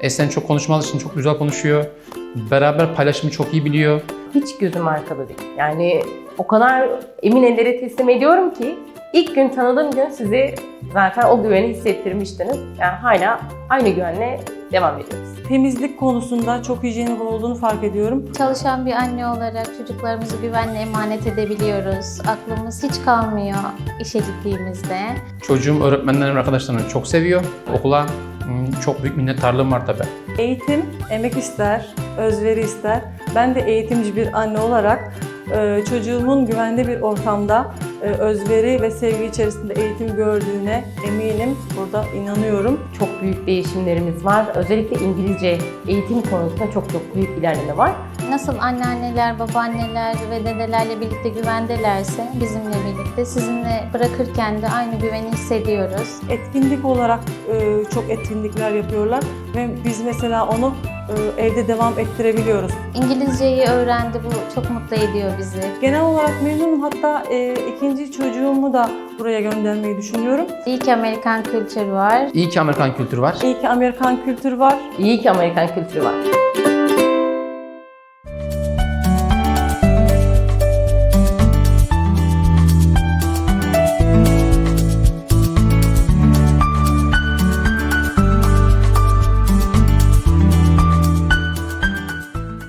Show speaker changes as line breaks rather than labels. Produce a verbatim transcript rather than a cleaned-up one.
Esen çok konuşmalı için çok güzel konuşuyor. Beraber paylaşımı çok iyi biliyor.
Hiç gözüm arkada değil. Yani o kadar emin ellere teslim ediyorum ki ilk gün tanıdığım gün sizi zaten o güveni hissettirmiştiniz. Yani hala aynı güvenle devam ediyoruz.
Temizlik konusunda çok hijyenik olduğunu fark ediyorum.
Çalışan bir anne olarak çocuklarımızı güvenle emanet edebiliyoruz. Aklımız hiç kalmıyor işe gittiğimizde.
Çocuğum öğretmenlerim, arkadaşlarını çok seviyor. Okula hmm, çok büyük minnettarlığım var tabii.
Eğitim emek ister, özveri ister. Ben de eğitimci bir anne olarak e, çocuğumun güvende bir ortamda e, özveri ve sevgi içerisinde eğitim gördüğüne eminim. Burada inanıyorum.
Çok büyük değişimlerimiz var. Özellikle İngilizce eğitim konusunda çok çok büyük ilerleme var.
Nasıl anneanneler, babaanneler ve dedelerle birlikte güvendelerse bizimle birlikte sizinle bırakırken de aynı güveni hissediyoruz.
Etkinlik olarak e, çok etkinlikler yapıyorlar ve biz mesela onu e, evde devam ettirebiliyoruz.
İngilizceyi öğrendi, bu çok mutlu ediyor bizi.
Genel olarak memnunum. Hatta e, ikinci çocuğumu da buraya göndermeyi düşünüyorum.
İyi ki Amerikan kültürü var.
İyi ki Amerikan kültürü var.
İyi ki Amerikan kültürü var.
İyi ki Amerikan kültürü var.